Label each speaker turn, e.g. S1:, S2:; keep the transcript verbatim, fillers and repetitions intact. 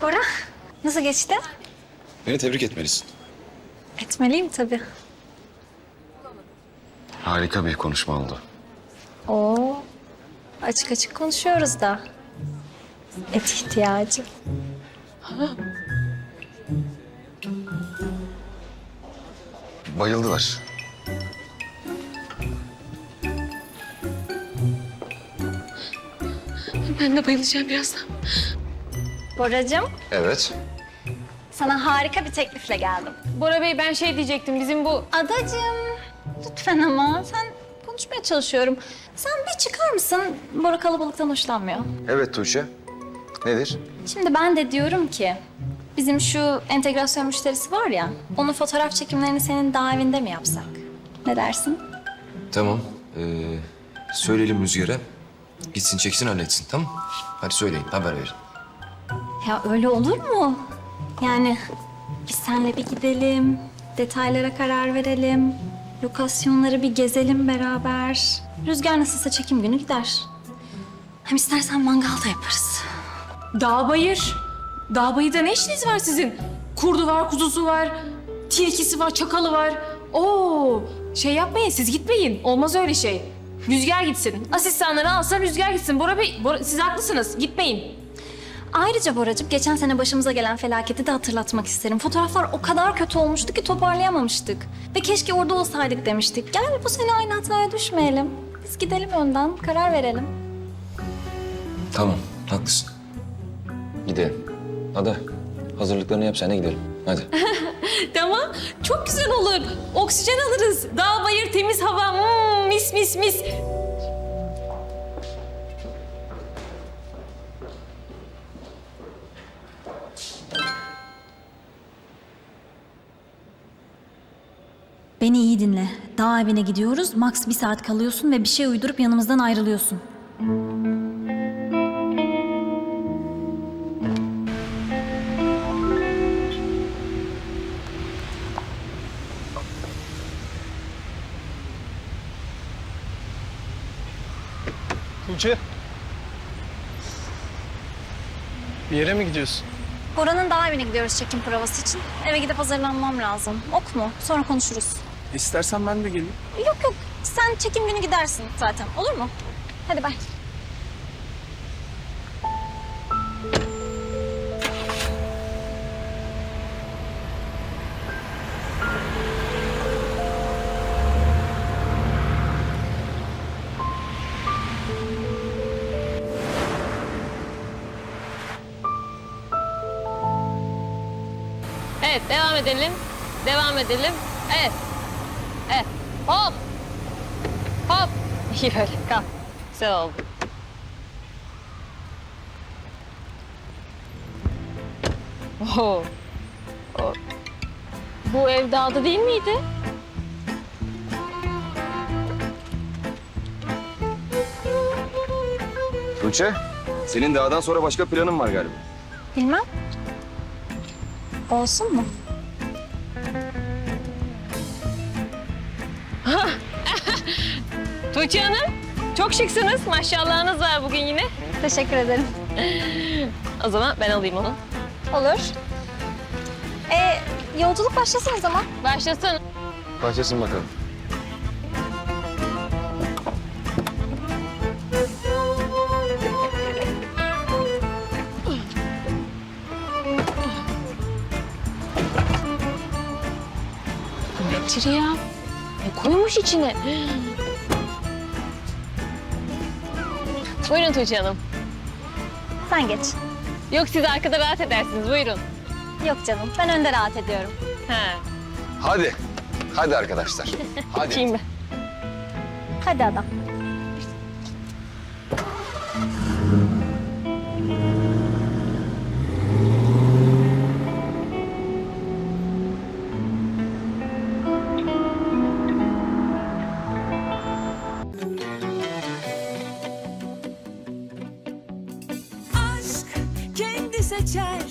S1: Bora, nasıl geçti?
S2: Beni tebrik etmelisin.
S1: Etmeliyim tabii.
S2: Harika bir konuşma oldu.
S1: Oo, açık açık konuşuyoruz da. Et ihtiyacı.
S2: Bayıldılar.
S3: Ben de bayılacağım birazdan.
S1: Boracığım,
S2: Evet.
S1: sana harika bir teklifle geldim.
S3: Bora Bey ben şey diyecektim bizim bu...
S1: Adacığım, lütfen ama sen konuşmaya çalışıyorum. Sen bir çıkar mısın? Bora kalabalıktan hoşlanmıyor.
S2: Evet Tuğçe. Nedir?
S1: Şimdi ben de diyorum ki, bizim şu entegrasyon müşterisi var ya, onun fotoğraf çekimlerini senin daha evinde mi yapsak? Ne dersin?
S4: Tamam. Ee, söyleyelim Rüzgar'a. Gitsin çeksin halletsin tamam mı? Hadi söyleyin haber verin.
S1: Ya öyle olur mu? Yani biz seninle bir gidelim, detaylara karar verelim, lokasyonları bir gezelim beraber. Rüzgar nasılsa çekim günü gider. Hem istersen mangal da yaparız.
S3: Dağ bayır. Dağ bayırda ne işiniz var sizin? Kurdu var, kuzusu var, tilkisi var, çakalı var. Oo, şey yapmayın siz gitmeyin. Olmaz öyle şey. Rüzgar gitsin. Asistanları alsa Rüzgar gitsin. Bora Bey, Bora, siz haklısınız. Gitmeyin.
S1: Ayrıca Boracığım geçen sene başımıza gelen felaketi de hatırlatmak isterim. Fotoğraflar o kadar kötü olmuştu ki toparlayamamıştık. Ve keşke orada olsaydık demiştik. Gel bu sene aynı hataya düşmeyelim. Biz gidelim önden, karar verelim.
S4: Tamam haklısın. Gidelim. Ada hazırlıklarını yap sen de gidelim. Hadi.
S3: Tamam, çok güzel olur. Oksijen alırız. Dağ bayır, temiz hava. Hmm, mis mis mis.
S1: Beni iyi dinle. Dağ evine gidiyoruz. Max bir saat kalıyorsun ve bir şey uydurup yanımızdan ayrılıyorsun.
S5: Tuğçe. Bir yere mi gidiyorsun?
S1: Bora'nın dağ evine gidiyoruz çekim provası için. Eve gidip hazırlanmam lazım. Ok mu? Sonra konuşuruz.
S5: İstersen ben de geleyim.
S1: Yok yok. Sen çekim günü gidersin zaten. Olur mu? Hadi bay.
S3: Evet, devam edelim. Devam edelim. Evet. Evet. Hop. Hop. İyi böyle. Kalk. Güzel oldu. Oo. O- Bu ev dağda değil miydi?
S2: Tuğçe, senin dağdan sonra başka planın var galiba.
S1: Bilmem. Olsun mu?
S3: Tuğçe Hanım, çok şıksınız. Maşallahınız var bugün yine.
S1: Teşekkür ederim.
S3: O zaman ben alayım onu.
S1: Olur. Ee, yolculuk başlasın o zaman.
S3: Başlasın.
S2: Başlasın bakalım.
S3: Nedir ya? Ne koymuş içine? Buyurun Tuğçe Hanım.
S1: Sen geç.
S3: Yok siz arkada rahat edersiniz. Buyurun.
S1: Yok canım. Ben önde rahat ediyorum.
S3: Ha.
S2: Hadi. Hadi arkadaşlar. Hadi.
S3: Bakayım ben.
S1: Hadi adam.
S6: aşk kendi seçer